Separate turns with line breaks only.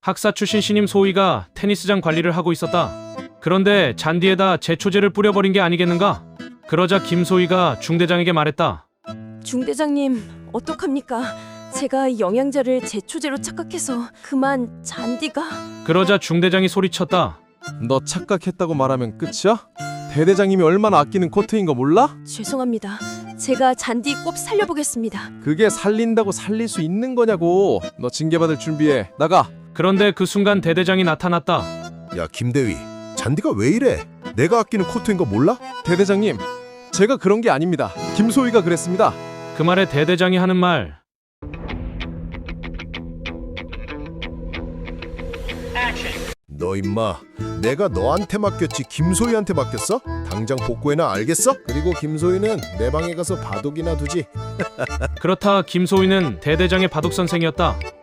학사 출신 신임 소위가 테니스장 관리를 하고 있었다. 그런데 잔디에다 제초제를 뿌려버린 게 아니겠는가? 그러자 김소희가 중대장에게 말했다.
중대장님, 어떡합니까? 제가 영양제를 제초제로 착각해서 그만 잔디가...
그러자 중대장이 소리쳤다.
너 착각했다고 말하면 끝이야? 대대장님이 얼마나 아끼는 코트인 거 몰라?
죄송합니다. 제가 잔디 꼭 살려보겠습니다.
그게 살린다고 살릴 수 있는 거냐고. 너 징계받을 준비해. 나가.
그런데 그 순간 대대장이 나타났다.
야 김대위, 잔디가 왜 이래? 내가 아끼는 코트인 거 몰라?
대대장님, 제가 그런 게 아닙니다. 김소희가 그랬습니다.
그 말에 대대장이 하는 말.
너 임마, 내가 너한테 맡겼지 김소희한테 맡겼어? 당장 복구해놔, 알겠어? 그리고 김소희는 내 방에 가서 바둑이나 두지.
그렇다 김소희는 대대장의 바둑 선생이었다.